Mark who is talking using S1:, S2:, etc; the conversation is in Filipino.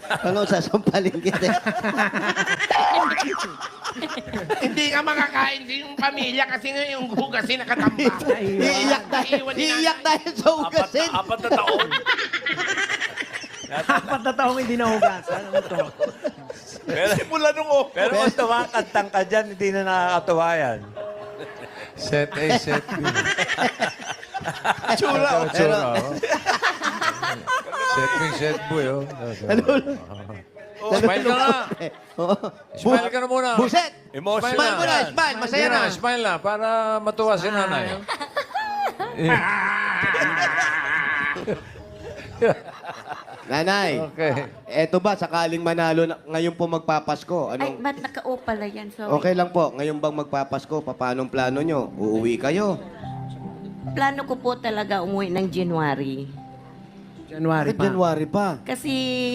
S1: Ano, sasampalin kita.
S2: Hindi ka makakain din yung pamilya kasi nga yung hugasin nakatamba.
S1: Iiyak dahil sa ugasin.
S3: Apat na taon.
S4: 4 na taong hindi nahugasan. Ano to?
S3: Simula nung Pero kung tumakantang ka dyan, hindi na nakakatuwa yan.
S5: Set A, set B.
S3: Tsura.
S5: Tsura, oh. Set B, set B, oh.
S6: Smile ka nga.
S1: Oo.
S6: Smile ka na muna.
S1: Buset!
S3: Emotional.
S1: Smile mo na, smile. Masaya na.
S6: Smile na, para matuwa si nanay.
S1: Nanay,
S5: Okay.
S1: eto ba, sakaling manalo na, ngayon po magpapasko?
S7: Ay,
S1: Anong,
S7: ba't naka-o pala yan? Sorry.
S1: okay lang po, ngayon bang magpapasko? Paanong plano nyo? Uuwi kayo?
S7: Plano ko po talaga umuwi ng January.
S4: January pa.
S1: January pa.
S7: Kasi